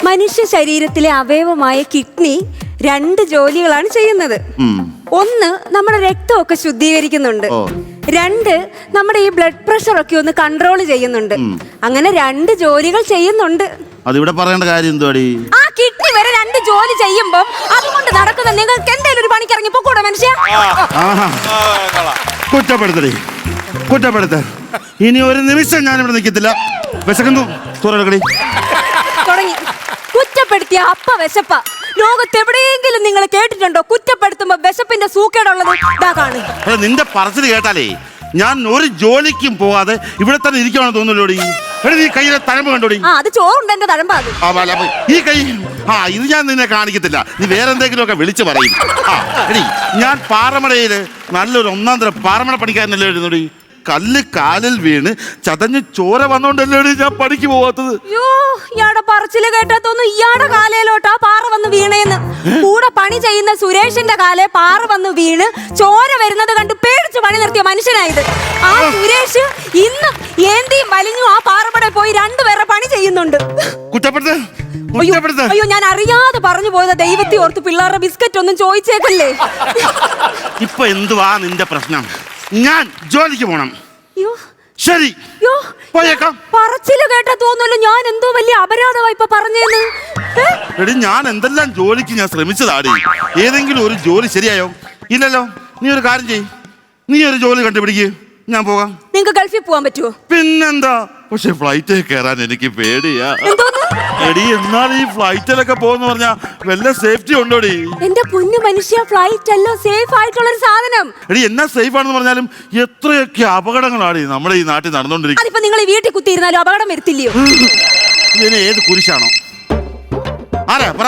മനുഷ്യ ശരീരത്തിലെ അവയവമായ കിഡ്നി 2 ജോലികളാണ് ചെയ്യുന്നത്. ഒന്ന് നമ്മുടെ രക്തമൊക്കെ ശുദ്ധീകരിക്കുന്നുണ്ട്, 2 നമ്മുടെ ഈ ബ്ലഡ് പ്രഷർ ഒക്കെ ഒന്ന് കൺട്രോൾ ചെയ്യുന്നുണ്ട്. അങ്ങനെ 2 ജോലികൾ ചെയ്യുന്നുണ്ട്. അതിവിടെ പറയേണ്ട കാര്യം എന്തുവാടി? ആ കിഡ്നി വരെ 2 ജോലി ചെയ്യുമ്പോ അതുകൊണ്ട് നടക്കുന്ന നിങ്ങൾക്ക് എന്തെങ്കിലും ഒരു പണിക്ക് ഇറങ്ങി പോകൂടെ മനുഷ്യ? കുറ്റപ്പെടുത്തടി, കുറ്റപ്പെടുത്ത. ഇനി ഒരു നിമിഷം ഞാനിവിടെ നിൽക്കത്തില്ല. വിശക്കുന്നു തുറക്കടി. തുടങ്ങി കുറ്റപ്പെടുത്തിയ അപ്പ വിശപ്പ. ലോകത്ത് എവിടെയെങ്കിലും നിങ്ങൾ കേട്ടിട്ടുണ്ടോ കുറ്റപ്പെടുത്തുമ്പോ വിശപ്പിന്റെ സൂക്കേടുള്ളത്? നിന്റെ പറച്ചിൽ കേട്ടാലേ ഞാൻ ഒരു ജോലിക്കും പോവാതെ ഇവിടെ തന്നെ ഇരിക്കുവാണെന്ന് തോന്നുന്നല്ലോടി. നീ കയ്യിലെ തഴമ്പ് കണ്ടോടി. അത് ചോറുണ്ട് എന്റെ തഴമ്പ. ഈ കൈ ഇത് ഞാൻ നിന്നെ കാണിക്കത്തില്ല. നീ വേറെ എന്തെങ്കിലും ഒക്കെ വിളിച്ചു പറയും. ഞാൻ പാറമടയില് നല്ലൊരു 1 തരം പാറമട പണിക്കാരനല്ലേ എഴുന്നോടി. കല്ല് കാലിൽ വീണ് ചതഞ്ഞ് ചോര വന്നോണ്ടല്ലേ ഞാൻ പണിക്ക് പോവാത്തത്. ഇയാടെ പറച്ചില് കേട്ടാത്തോന്നു ഇയാടെ കാലയിലോട്ടാ പാറ വന്ന് വീണേന്ന്. കൂടെ പണി ചെയ്യുന്ന സുരേഷിന്റെ കാലേ പാറ വന്ന് വീണ് ചോര വരുന്നത് കണ്ട് പേടിച്ച് പണി നിർത്തിയ മനുഷ്യനായത്. ആ സുരേഷ് ഇന്നും ഏന്തിയും വലിഞ്ഞു ആ പാറമട പോയി 2 പേരെ പണി ചെയ്യുന്നുണ്ട്. അയ്യോ ഞാൻ അറിയാതെ പറഞ്ഞു പോയത്. ദൈവത്തെ ഓർത്ത് പിള്ളേരുടെ ബിസ്ക്കറ്റ് ഒന്നും ചോദിച്ചേക്കല്ലേ. ഇപ്പൊ എന്തുവാ നിന്റെ പ്രശ്നം? ഞാൻ ജോലിക്ക് പോണം. ശരി പോയേക്കാം. പറച്ചില് കേട്ടാ തോന്നുമല്ലോ ഞാൻ എന്തോ വലിയ അപരാധമായി ഇപ്പൊ പറഞ്ഞേന്ന്. എടി ഞാൻ എന്തെല്ലാം ജോലിക്ക് ഞാൻ ശ്രമിച്ചതാടി. ഏതെങ്കിലും ഒരു ജോലി ശരിയായോ? ഇല്ലല്ലോ. നീ ഒരു കാര്യം ചെയ്യ്, നീ ഒരു ജോലി കണ്ടുപിടിക്ക്, ഞാൻ പോകാം. നിങ്ങക്ക് ഗൾഫിൽ പോകാൻ പറ്റുമോ? പിന്നെന്താ. പക്ഷെ ഫ്ലൈറ്റിൽ കയറാൻ എനിക്ക് പേടിയാ. എടി എന്നാൽ ഈ ഫ്ലൈറ്റിലൊക്കെ പോകുന്ന പറഞ്ഞാ വല്ല സേഫ്റ്റി ഉണ്ടോടി? എന്റെ പൊന്നു മനുഷ്യ, ഫ്ലൈറ്റ് അല്ലോ സേഫ് ആയിട്ടുള്ള ഒരു സാധനം. എടി എന്നാ സേഫ് ആണെന്ന് പറഞ്ഞാലും എത്രയൊക്കെ അപകടങ്ങളാണ് നമ്മുടെ ഈ നാട്ടിൽ നടന്നുകൊണ്ടിരിക്കുന്നത്. അതിപ്പോ നിങ്ങൾ ഈ വീട്ടിൽ കുത്തിയിരുന്നാലും അപകടം വരുത്തില്ലയോ? ഇതിന് ഏത് കുരിശാണോ? ആരാ പറ.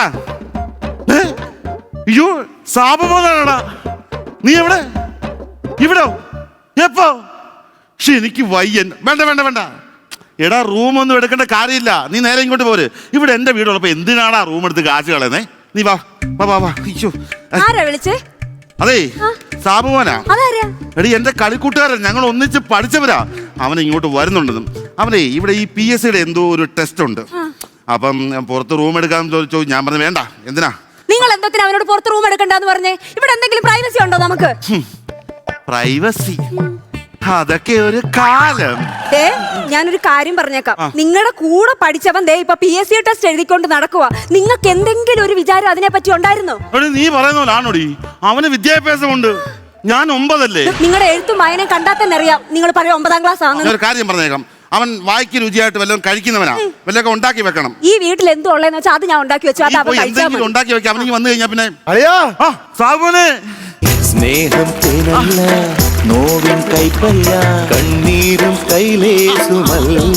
അയ്യോ സാപബോധാടാ. നീ എവിടെ? ഇവിടോ? എപ്പോ? പക്ഷെ എനിക്ക് വയ്യൻ. വേണ്ട വേണ്ട വേണ്ട. എടാ റൂമൊന്നും എടുക്കേണ്ട കാര്യമില്ല. നീ നേരെ ഇങ്ങോട്ട് പോര്. ഇവിടെ എന്റെ വീടുള്ളപ്പോ എന്തിനാടാ റൂം എടുത്ത് കാശ് കളയുന്നേ? നീ വാ വാ വാ വാ. അയ്യോ അതെ സാബുമോനാ. എടി എന്റെ കളിക്കൂട്ടുകാരൻ, ഞങ്ങൾ ഒന്നിച്ച് പഠിച്ചവരാ. അവൻ ഇങ്ങോട്ട് വരുന്നുണ്ടെന്നും അവനെ ഇവിടെ ഈ PSCയുടെ എന്തോ ഒരു ടെസ്റ്റ് ഉണ്ട്. അപ്പം പുറത്ത് റൂം എടുക്കാൻ ചോദിച്ചു. ഞാൻ പറഞ്ഞു വേണ്ട. എന്തിനാ നിങ്ങൾ എന്തൊക്കെ അവനോട് പുറത്ത് റൂം എടുക്കണ്ടെന്ന് പറഞ്ഞേ? ഇവിടെ എന്തെങ്കിലും പ്രൈവസി ഉണ്ടോ നമുക്ക്? പ്രൈവസി അതൊക്കെ ഒരു കാലം. ഞാനൊരു കാര്യം പറഞ്ഞേക്കാം. നിങ്ങളുടെ കൂടെ പഠിച്ചവൻ ഇപ്പൊ PSC ടെസ്റ്റ് എഴുതിക്കൊണ്ട് നടക്കുക. നിങ്ങൾക്ക് എന്തെങ്കിലും ഒരു വിചാരം അതിനെ പറ്റി ഉണ്ടായിരുന്നോ? നീ പറയുന്നോടി. അവന് വിദ്യാഭ്യാസമുണ്ട്, ഞാൻ 9 അല്ലേ. നിങ്ങളുടെ എഴുത്തും വായനയും കണ്ടാൽ തന്നെ അറിയാം നിങ്ങൾ പറയും 9ാം ക്ലാസ് ആണ്. ഒരു കാര്യം പറഞ്ഞേക്കാം. അവൻ വായിക്ക് രുചിയായിട്ട് വല്ലതും കഴിക്കുന്നവനാ. വല്ലതൊക്കെ ഉണ്ടാക്കി വെക്കണം. ഈ വീട്ടിൽ എന്തോ ഉള്ളതെന്ന് വെച്ചാൽ അത് ഞാൻ ഉണ്ടാക്കി വെച്ചു. എന്തെങ്കിലും ഉണ്ടാക്കി വെക്കാം. അവനിക്ക് വന്നു കഴിഞ്ഞാ പിന്നെ സാബുനെ സ്നേഹം തേനല്ല, നോവിൻ കൈപ്പല്ല, കണ്ണീരും കൈലേസുമല്ല.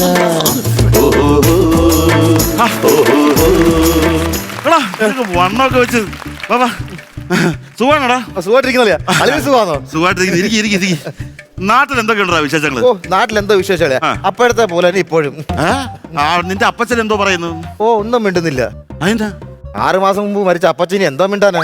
വണ്ണൊക്കെ വെച്ച് സുഖാണോടാ? സുഖമായിട്ടിരിക്കുന്നു. നാട്ടിൽ എന്തൊക്കെ ഉണ്ടോ വിശേഷങ്ങള്? നാട്ടിൽ എന്തോ വിശേഷങ്ങളെ അപ്പോഴത്തെ പോലെ തന്നെ ഇപ്പോഴും. നിന്റെ അപ്പച്ചൻ എന്തോ പറയുന്നു? ഒന്നും മിണ്ടുന്നില്ല. അതെന്താ? 6 മാസം മുമ്പ് മരിച്ച അപ്പച്ചന് എന്തോ മിണ്ടാനാ?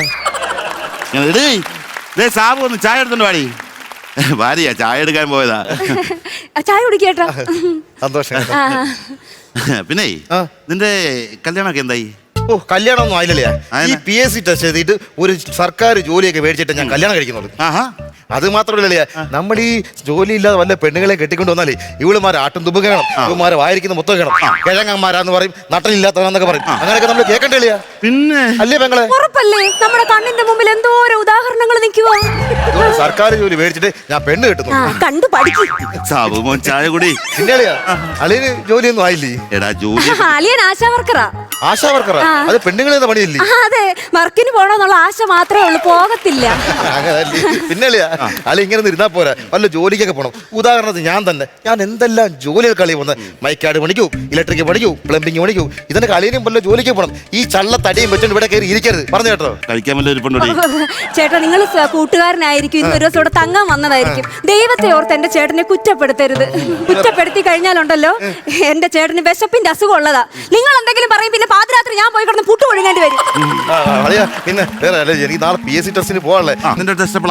സാബു ഒന്ന് ചായ എടുത്തോണ്ട് വാടി. ഭാര്യയാ ചായ എടുക്കാൻ പോയതാ. ചായ കുടിക്കേട്ടാ. സന്തോഷം. പിന്നെ നിന്റെ കല്യാണമൊക്കെ എന്തായി? കല്യാണം ഒന്നും ആയില്ലേ. ഈ PSC ടെസ്റ്റ് എഴുതിയിട്ട് ഒരു സർക്കാർ ജോലിയൊക്കെ മേടിച്ചിട്ട് ഞാൻ കല്യാണം കഴിക്കുന്നുള്ളൂ. അത് മാത്രമല്ലേ, നമ്മൾ ഈ ജോലി ഇല്ലാതെ വല്ല പെണ്ണുങ്ങളെ കെട്ടിക്കൊണ്ട് വന്നാലേ ഇവളുമാരെ ആട്ടും തുമ്പ് കേണം, ഇവളുമാരെ വായിരിക്കുന്ന മൊത്തം കേണം, കിഴങ്ങന്മാരാന്ന് പറയും, നട്ടനില്ലാത്തവനെന്നൊക്കെ പറയും. അങ്ങനെയൊക്കെ നമ്മൾ കേൾക്കണ്ടേ? പിന്നെ അല്ലേ പെങ്ങളെ? നമ്മുടെ കണ്ണിന്റെ മുമ്പിൽ എന്തോരോ ഉദാഹരണങ്ങൾ നിൽക്കുവാ. സർക്കാർ ജോലി മേടിച്ചിട്ട് ഞാൻ പെണ്ണ് കിട്ടുന്നു. കണ്ടു പഠിക്കും. സാബുമോൻ ചായ കുടി. അളിയന് ജോലിയൊന്നും ആയില്ലേ? എടാ ജോലി അളിയൻ ആശാ വർക്കറാ. ആശാ വർക്കറാ? അത് പെണ്ണുങ്ങളെ പണിയില്ലേ? അതെ, വർക്കിന് പോണോന്നുള്ള ആശ മാത്രമേ ഉള്ളൂ, പോകത്തില്ല. പിന്നെ അളി ഇങ്ങനെ ഇരുന്നാ പോരാ, വല്ല ജോലിക്കൊക്കെ പോകണം. ഉദാഹരണത്തിന് ഞാൻ എന്തെല്ലാം ജോലികൾ കളി പോകുന്നത്. മൈക്കാട് പണിക്കൂ, ഇലക്ട്രിക് പണിക്കൂ, പ്ലംബിംഗ് പണിക്കൂ. ഇതിന്റെ കളിയിലും വല്ല ജോലിക്ക് പോകണം. ഈ ചള്ള തടിയും വെച്ചോണ്ട് ഇവിടെ കയറി ഇരിക്കരുത്. പറഞ്ഞു കേട്ടോ? കഴിക്കാൻ ചേട്ടാ, നിങ്ങൾ കൂട്ടുകാരനായിരിക്കും, ഇന്ന് ഒരു ദിവസം ഇവിടെ തങ്ങാൻ വന്നതായിരിക്കും. ദൈവത്തെ ഓർത്ത് എന്റെ ചേട്ടനെ കുറ്റപ്പെടുത്തരുത്. കുറ്റപ്പെടുത്തി കഴിഞ്ഞാലുണ്ടല്ലോ എന്റെ ചേട്ടന് വിശപ്പിന്റെ അസുഖം ഉള്ളതാ. നിങ്ങൾ എന്തെങ്കിലും പറയും, പിന്നെ പാതിരാത്രി ഞാൻ പോയി കിടന്ന് പുട്ട് ഒഴുകേണ്ടി വരും. പിന്നെ വേറെ എനിക്ക് നാളെ PSC ടെസ്റ്റിന് പോകാനല്ലേ. നിന്റെ ടെസ്റ്റ് എപ്പോഴാ?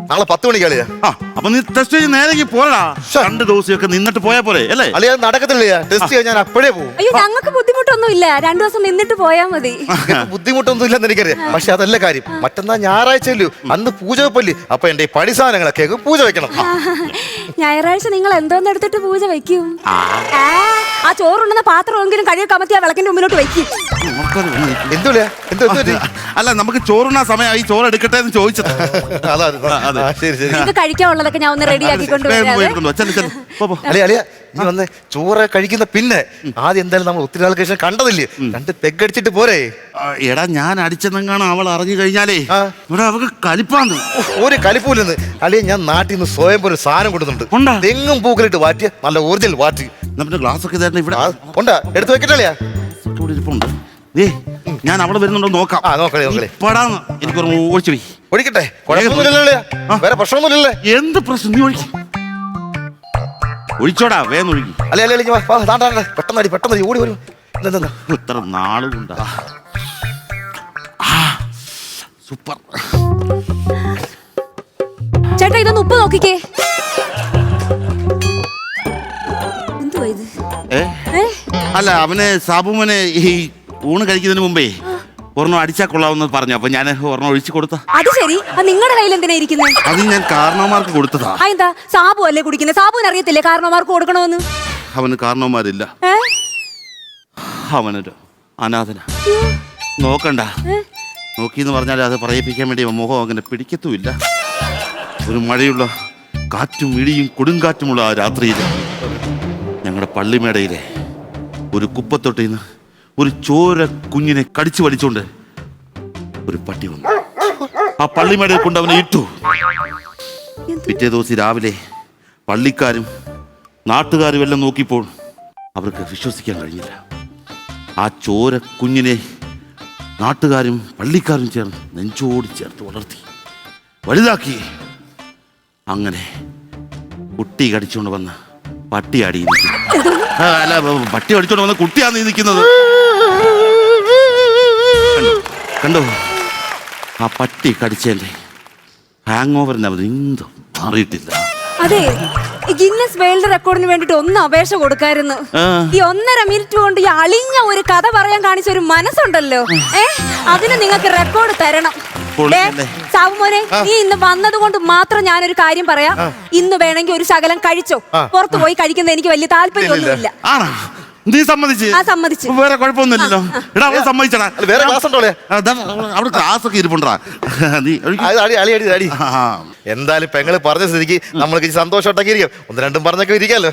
നാളെ 10 മണിക്ക് അളിയാ. ആ അപ്പൊ നീ ടെസ്റ്റ് ചെയ്ത് നേരെ പോരാ. 2 ദിവസമൊക്കെ നിന്നിട്ട് പോയാ പോരെ അല്ലേ? അളിയാ നടക്കത്തില്ല. ടെസ്റ്റ് ചെയ്യാൻ ഞാൻ അപ്പോഴേ പോകും. അയ്യോ ഞങ്ങൾക്ക് ബുദ്ധിമുട്ടൊന്നും ഇല്ല, 2 ദിവസം നിന്നിട്ട് പോയാ മതി. ബുദ്ധിമുട്ടൊന്നും ഇല്ലെന്ന് എനിക്കറിയാം. പക്ഷെ അതല്ല കാര്യം. മറ്റന്നാ ഞായറാഴ്ചയല്ലോ, അന്ന് പൂജ വെപ്പല്ലേ. അപ്പൊ എന്റെ ഈ പണി സാധനങ്ങളൊക്കെ പൂജ വെക്കണം. ഞായറാഴ്ച നിങ്ങൾ എന്തോന്ന് എടുത്തിട്ട് പൂജ വെക്കും? ആ ചോറുണ്ടെന്ന പാത്രമെങ്കിലും കഴുകി കമത്തി ആ വിളക്കിന്റെ മുമ്പിലോട്ട് വെക്കും. എന്തുല്ലേ അല്ല നമുക്ക് ചോറുണ്ണാ സമയമായി, ചോറ് എടുക്കട്ടെ എന്ന് ചോദിച്ചത്. ശരി ശരി. ഇത് കഴിക്കാനുള്ളതൊക്കെ ഞാൻ ഒന്ന് റെഡിയാക്കി കൊണ്ടുവരാം. അളിയാ നീ വന്ന് ചോറ് കഴിക്കുന്ന പിന്നെ ആദ്യം എന്തായാലും നമ്മൾ ഒത്തിരി നാൾക്ക് ശേഷം കണ്ടതില്ലേ, 2 പെഗ് അടിച്ചിട്ട് പോരെ. എടാ ഞാൻ അടിച്ചെന്നെങ്ങാണ് അവൾ അറിഞ്ഞു കഴിഞ്ഞാലേ ഇവിടെ അവൾക്ക് കലിപ്പാന്ന്. ഒരു കലിപ്പൂലെന്ന് അളിയ. ഞാൻ നാട്ടിൽ നിന്ന് സ്വയം ഒരു സാധനം കൊടുക്കുന്നുണ്ട്. ഉണ്ടാ? തെങ്ങും പൂക്കളിട്ട് വാറ്റിയ നല്ല ഒറിജിനൽ വാറ്റ്. നമ്മുടെ ഗ്ലാസ് ഒക്കെ ഇതായിരുന്നു ഇവിടെ. ഉണ്ടാ? എടുത്തു വെക്കട്ടളിയാ. ഇവിടെ ഇരിപ്പുണ്ട്. ഞാൻ അവിടെ വരുന്നുണ്ടോ നോക്കാം. നോക്കളെ നോക്കളെ. എനിക്ക് ഒഴിച്ചു പോയി ഒഴിക്കട്ടെ. കുഴപ്പമൊന്നുമില്ലല്ലേ? വേറെ പ്രശ്നമൊന്നുമില്ലല്ലേ? എന്ത് പ്രശ്നം? നീ ഒഴിക്കും ഒഴിച്ചോടാ, വേഗം ഒഴുകി. അല്ലെ അല്ലെ പെട്ടെന്ന് പെട്ടെന്ന് ഓടി വരും. ഇത്ര നാളുകൊണ്ടാ. സൂപ്പർ. ചേട്ടാ ഇതൊന്ന് ഉപ്പ് നോക്കിക്കേ. എന്തുവാ ഇത്? അല്ല അവന് സാബുമോനെ ഈ ഊണ് കഴിക്കുന്നതിന് മുമ്പേ ഒരെണ്ണം അടിച്ചാൽ കൊള്ളാമെന്ന് പറഞ്ഞു. അപ്പൊ ഞാൻ ഒരെണ്ണം ഒഴിച്ചു കൊടുത്ത. അത് ശരി. നിങ്ങളുടെ കയ്യിൽ എന്തിനാ ഇരിക്കുന്നത്? അത് ഞാൻ കാരണവന്മാർക്ക് കൊടുത്തതാ. എന്താ സാബു അല്ലേ കുടിക്കുന്നത്? സാബുവിന് അറിയത്തില്ലേ കാരണവന്മാർക്ക് കൊടുക്കണമെന്ന്? അവന് കാരണവന്മാരില്ല. അവനൊരു അനാഥന. നോക്കണ്ട, നോക്കിന്ന് പറഞ്ഞാൽ അത് പറയിപ്പിക്കാൻ വേണ്ടി മുഖം അങ്ങനെ പിടിക്കത്തുമില്ല. ഒരു മഴയുള്ള കാറ്റും ഇടിയും കൊടുങ്കാറ്റുമുള്ള ആ രാത്രിയിൽ ഞങ്ങളുടെ പള്ളിമേടയിലെ ഒരു കുപ്പത്തൊട്ടിന്ന് ഒരു ചോര കുഞ്ഞിനെ കടിച്ചു വലിച്ചോണ്ട് ഒരു പട്ടി വന്നു. ആ പള്ളിമേടയിൽ കൊണ്ട് അവനെ ഇട്ടു. പിറ്റേ ദിവസം രാവിലെ പള്ളിക്കാരും നാട്ടുകാരും എല്ലാം നോക്കിയപ്പോൾ അവർക്ക് വിശ്വസിക്കാൻ കഴിഞ്ഞില്ല. ആ ചോര കുഞ്ഞിനെ നാട്ടുകാരും പള്ളിക്കാരും ചേർന്ന് നെഞ്ചോട് ചേർത്ത് വളർത്തി വലുതാക്കി. അങ്ങനെ കുട്ടി കടിച്ചുകൊണ്ട് വന്ന് പട്ടിയാടി നിൽക്കുന്നു. അല്ല, പട്ടി കടിച്ചോണ്ട് വന്ന് കുട്ടിയാണ് നിൽക്കുന്നത്. കണ്ടോ? ആ പട്ടി കടിച്ചേന്റെ ഹാങ് ഓവറിന് അവർ എന്തും മാറിയിട്ടില്ല. അതെ, ഗിന്നസ് വേൾഡ് റെക്കോർഡിന് വേണ്ടിട്ട് ഒന്ന് അപേക്ഷ കൊടുക്കായിരുന്നു. ഈ 1.5 മിനിറ്റ് കൊണ്ട് ഈ അളിഞ്ഞ ഒരു കഥ പറയാൻ കാണിച്ച ഒരു മനസ്സുണ്ടല്ലോ, അതിന് നിങ്ങൾക്ക് റെക്കോർഡ് തരണം. സാബുമോനെ, നീ ഇന്ന് വന്നത് കൊണ്ട് മാത്രം ഞാനൊരു കാര്യം പറയാം. ഇന്ന് വേണമെങ്കിൽ ഒരു ശകലം കഴിച്ചോ. പുറത്തു പോയി കഴിക്കുന്നത് എനിക്ക് വലിയ താല്പര്യമൊന്നുമില്ല. നീ സമ്മതിച്ച്? സമ്മതിച്ചു. വേറെ കുഴപ്പമൊന്നുമില്ലല്ലോ. എടാ അവളെ സമ്മതിച്ചടാ. വേറെ ക്ലാസ് ഉണ്ടോ? അവിടെ ക്ലാസ് ഒക്കെ ഇരിപ്പുണ്ടാ. എന്തായാലും പെങ്ങള് പറഞ്ഞ സ്ഥിതിക്ക് നമ്മൾക്ക് സന്തോഷമായിട്ടൊക്കെ ഇരിക്കാം. 1-2 പറഞ്ഞൊക്കെ ഇരിക്കാലോ.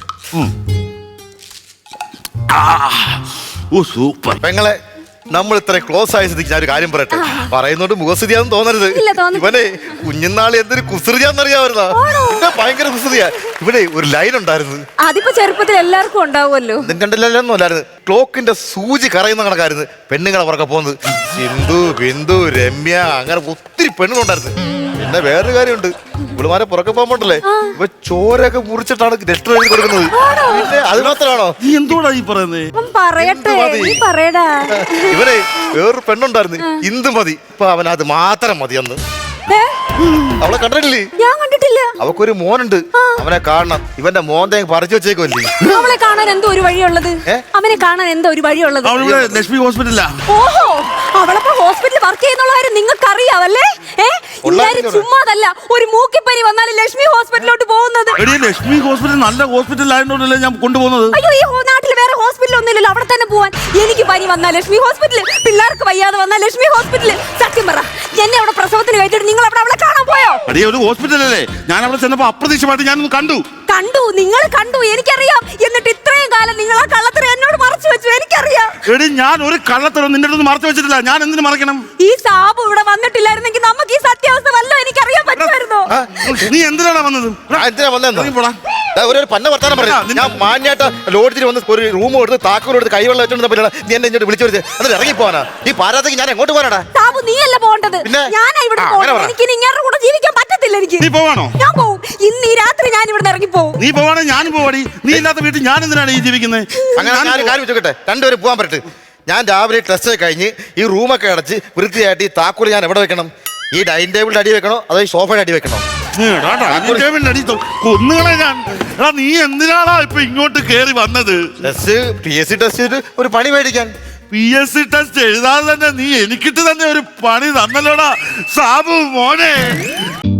സൂപ്പർ. പെങ്ങളെ, നമ്മൾ ഇത്ര ക്ലോസ് ആയ സ്ഥിതിക്ക് ഞാൻ ഒരു കാര്യം പറയട്ടെ. പറയുന്നോണ്ട് മുഖസ്ഥിതിയാന്ന് തോന്നരുത്. ഇവനെ കുഞ്ഞുനാളി എന്തൊരു കുസൃതിയാന്നറിയാവുന്ന ഭയങ്കര കുസൃതിയാ. ഇവിടെ ഒരു ലൈൻ ഉണ്ടായിരുന്നു. അതിപ്പോ ചെറുപ്പത്തിൽ എല്ലാവർക്കും ഉണ്ടാവുമല്ലോ. കണ്ടില്ലൊന്നും അല്ലായിരുന്നു. ക്ലോക്കിന്റെ സൂചി കറയുന്ന കണക്കായിരുന്നു പെണ്ണുങ്ങളെ പുറകെ പോകുന്നത്. സിന്ധു, ബിന്ദു, രമ്യ, അങ്ങനെ ഒത്തിരി പെണ്ണുങ്ങളുണ്ടായിരുന്നു. പിന്നെ വേറൊരു കാര്യമുണ്ട്, ഇവളുമാരെ പുറകെ പോകുമ്പോണ്ടല്ലേ ഇവ ചോരൊക്കെ മുറിച്ചിട്ടാണ് ലെറ്റർ എഴുതി കൊടുക്കുന്നത്. പിന്നെ അത് മാത്രമാണോ? എന്തോടാ ഈ പറയുന്നത്? പറയട്ടെ, ഇവരെ വേറൊരു പെണ്ണുണ്ടായിരുന്നു, ഇന്ദുമതി. ഇപ്പൊ അവൻ അത് മാത്രം മതി. അന്ന് അവളെ കണ്ടിട്ടില്ലേ? ഞാൻ കണ്ടിട്ടില്ല. അവക്കൊരു മോനുണ്ട്, അവനെ കാണണം. ഇവന്റെ മോന്റെ പറിച്ചു വെച്ചേക്കല്ലേ. അവളെ കാണാൻ എന്തോ ഒരു വഴിയുള്ളത്. അവനെ കാണാൻ എന്തോ ഒരു വഴിയുള്ളത്. ലക്ഷ്മി ഹോസ്പിറ്റലാ. ഓഹോ, അവളപ്പോ ഹോസ്പിറ്റലിൽ വർക്ക് ചെയ്യുന്നുള്ള കാര്യം നിങ്ങൾക്ക് അറിയാവല്ലേ? ചുമ്മാതല്ല, ഒരു മൂക്കിപ്പനി വന്നാൽ ലക്ഷ്മി ഹോസ്പിറ്റലിലോട്ട് പോകുന്നത്. ലക്ഷ്മി ഹോസ്പിറ്റൽ നല്ല ഹോസ്പിറ്റൽ ആയതുകൊണ്ടല്ലേ ഞാൻ കൊണ്ടുപോകുന്നത്. അയ്യോ, ഈ നാട്ടിൽ വേറെ ഹോസ്പിറ്റൽ ഒന്നുമില്ലല്ലോ, അവിടെ തന്നെ പോവാൻ. എനിക്ക് പനി വന്നാൽ ലക്ഷ്മി ഹോസ്പിറ്റൽ, പിള്ളേർക്ക് വയ്യാതെ വന്നാൽ ലക്ഷ്മി ഹോസ്പിറ്റൽ. സത്യം പറ, എന്നെ അവിടെ പ്രസവത്തിന് കയറ്റിട്ട് നിങ്ങൾ അവിടെ അവളെ കാണാൻ പോയോ? ഒരു ഹോസ്പിറ്റലല്ലേ. ഞാൻ അവിടെ ചെന്നപ്പോ അപ്രതീക്ഷിതമായിട്ട് ഞാനൊന്ന് കണ്ടു. നിങ്ങൾ കണ്ടു, എനിക്കറിയാം. എന്നിട്ട് ഇത്രയും കാലം നിങ്ങൾ ആ കള്ളത്തരം എന്നോട് മറച്ചു വെച്ചു, എനിക്കറിയാം. എടി, ഞാൻ ഒരു കള്ളത്തരം നിന്റെ അടുത്ത് മറച്ചു വെച്ചിട്ടില്ല. ഞാൻ എന്തിനു മറക്കണം? ഈ സാബു ഇവിടെ വന്നിട്ടില്ലായിരുന്നെങ്കിൽ നമുക്ക് ഈ സത്യാവസ്ഥ വല്ലോ എനിക്കറിയാൻ പറ്റുമായിരുന്നോ? നീ എന്തിനാണ് വന്നത്? ഒരു പന്ന വർത്താനം പറഞ്ഞു. ഞാൻ മാന്യായിട്ട് ലോഡ്ജിൽ വന്ന് ഒരു റൂം എടുത്ത് താക്കോൽ എടുത്ത് കൈവെള്ളം വെച്ചോണ്ട് നീ എന്നെ ഇങ്ങോട്ട് വിളിച്ചു വരുന്നത്. എന്നിട്ട് ഇറങ്ങി പോവാനാ ഈ പാരാത്തേക്ക്? ഞാൻ എങ്ങോട്ട് പോകാനാടാ? സാബു, നീയല്ല പോകേണ്ടത്, ഞാനാ ഇവിടെ പോകുന്നത്. എനിക്ക് ഇങ്ങനെ കൂടെ ജീവിക്കാൻ പറ്റത്തില്ല. എനിക്ക് നീ പോവാണോ? ഞാൻ പോവും. ഇന്ന് ഈ രാത്രി ഞാൻ ഇവിടെ ഇറങ്ങി പോവും. നീ പോവാണെ ഞാനും പോവാടി. നീ ഇല്ലാത്ത വീട്ടിൽ ഞാൻ എന്തിനാണ് ഈ ജീവിക്കുന്നത്? അങ്ങനെ ഞാൻ കാര്യം വെച്ചോട്ടെ, 2 പേരും പോകാൻ പറ്റട്ടെ. ഞാൻ രാവിലെ ടെസ്റ്റ് കഴിഞ്ഞ് ഈ റൂമൊക്കെ അടച്ച് വൃത്തിയായിട്ട് ഈ താക്കോൽ ഞാൻ എവിടെ വെക്കണം? ഈ ഡൈനിങ് ടേബിളിന്റെ അടി വെക്കണോ അതോ ഈ സോഫയുടെ അടി വെക്കണോ? കൊന്നുകളെ ഞാൻ. എടാ നീ എന്തിനാടാ ഇപ്പൊ ഇങ്ങോട്ട് കേറി വന്നത്? PSC ടെസ്റ്റ് ചെയ്തിട്ട് ഒരു പണി മേടിക്കാൻ. PSC ടെസ്റ്റ് എഴുതാതെ തന്നെ നീ എനിക്കിട്ട് തന്നെ ഒരു പണി തന്നല്ലോടാ സാബു മോനെ.